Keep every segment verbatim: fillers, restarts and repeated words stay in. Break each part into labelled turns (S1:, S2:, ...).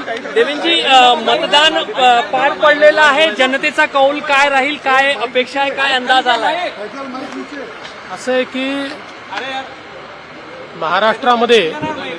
S1: देवेंजी, मतदान अ, पार पडलेलं आहे. जनतेचा कौल काय राहील, काय अपेक्षा आहे, काय अंदाज आलाय?
S2: असं आहे की महाराष्ट्रामध्ये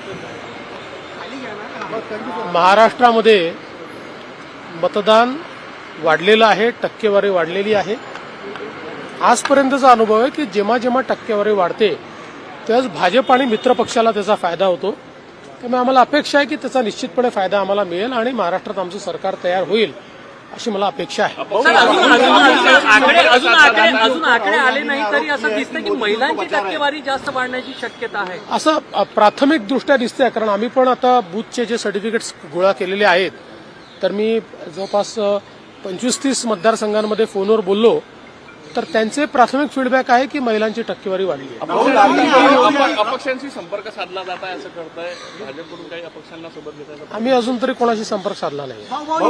S2: महाराष्ट्रामध्ये मतदान वाढलेलं आहे, टक्केवारी वाढलेली आहे. आजपर्यंतचा अनुभव आहे की जेव्हा जेव्हा टक्केवारी वाढते त्याच भाजप आणि मित्र पक्षाला त्याचा फायदा होतो. त्यामुळे आम्हाला अपेक्षा आहे की त्याचा निश्चितपणे फायदा आम्हाला मिळेल आणि महाराष्ट्रात आमचं सरकार तयार होईल अशी मला अपेक्षा आहे.
S1: सर, अजून अजून आकडे अजून आकडे अजून आकडे आले नाही तरी असं दिसतं की महिलांची टक्केवारी जास्त वाढण्याची शक्यता आहे.
S2: असं अ, प्राथमिक दृष्ट्या दिसतंय, कारण आम्ही पण आता बूथचे जे सर्टिफिकेट्स गोळा केलेले आहेत तर मी जवळपास पंचवीस तीस मतदारसंघांमध्ये फोनवर बोललो तर त्यांचे प्राथमिक फीडबॅक आहे की महिलांची टक्केवारी वाढली आहे.
S3: अपक्षांशी संपर्क साधला जात आहे असं करताय भाजपकडून, काही अपक्षांना सोबत घेताय?
S2: आम्ही अजून तरी कोणाशी संपर्क साधला नाही.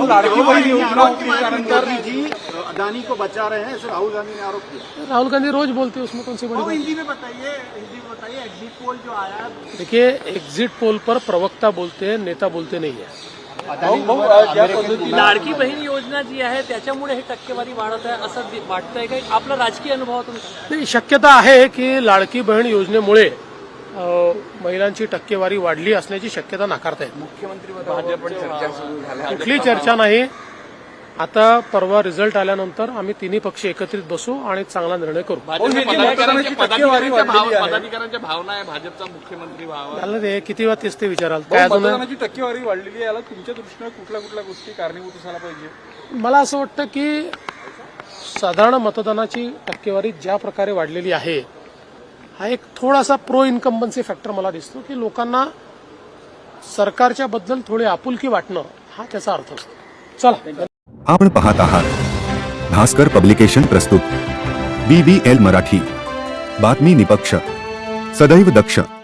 S4: अदानी को बचा रहे हैं, ऐसे राहुल गांधी ने आरोप किया.
S2: राहुल गांधी रोज बोलते उसमें कौन सी बड़ी बात?
S4: हिंदी में बताइए, हिंदी में बताइए. एग्जिट पोल जो आया,
S2: देखिए, एग्जिट पोल पर प्रवक्ता बोलते हैं, नेता बोलते नहीं है.
S1: लाडकी बहीण योजना जी आहे त्याच्यामुळे हे टक्केवारी वाढत आहे असं दि- वाटतंय काही? आपला राजकीय अनुभव तुमचा?
S2: नाही, शक्यता आहे की लाडकी बहीण योजनेमुळे अ, महिलांची टक्केवारी वाढली असण्याची शक्यता नाकारता येत. कुठली चर्चा नाही. आता परवा रिझल्ट आल्यानंतर आम्ही तिन्ही पक्ष एकत्रित बसू आणि चांगला निर्णय करू.
S3: पदाधिकाऱ्यांच्या पदाधिकाऱ्यांच्या भावना आहे भाजपचा मुख्यमंत्री व्हावा.
S2: झालं ते किती वेळा तेच ते विचाराल काय अजून?
S5: मतदानाची टक्केवारी वाढलेली आहे, याला तुमच्या दृष्टीने कुठल्या कुठल्या गोष्टी कारणीभूत असायला पाहिजे?
S2: मला असं वाटतं की साधारण मतदानाची टक्केवारी ज्या प्रकारे वाढलेली आहे हा एक थोडासा प्रो इन्कम्बन्सी फॅक्टर मला दिसतो की लोकांना सरकारच्या बद्दल थोडी आपुलकी वाटणं हा त्याचा अर्थ असतो. चला.
S6: आपण पाहत आहात भास्कर पब्लिकेशन प्रस्तुत बी बी एल मराठी, बातमी निपक्ष, सदैव दक्ष.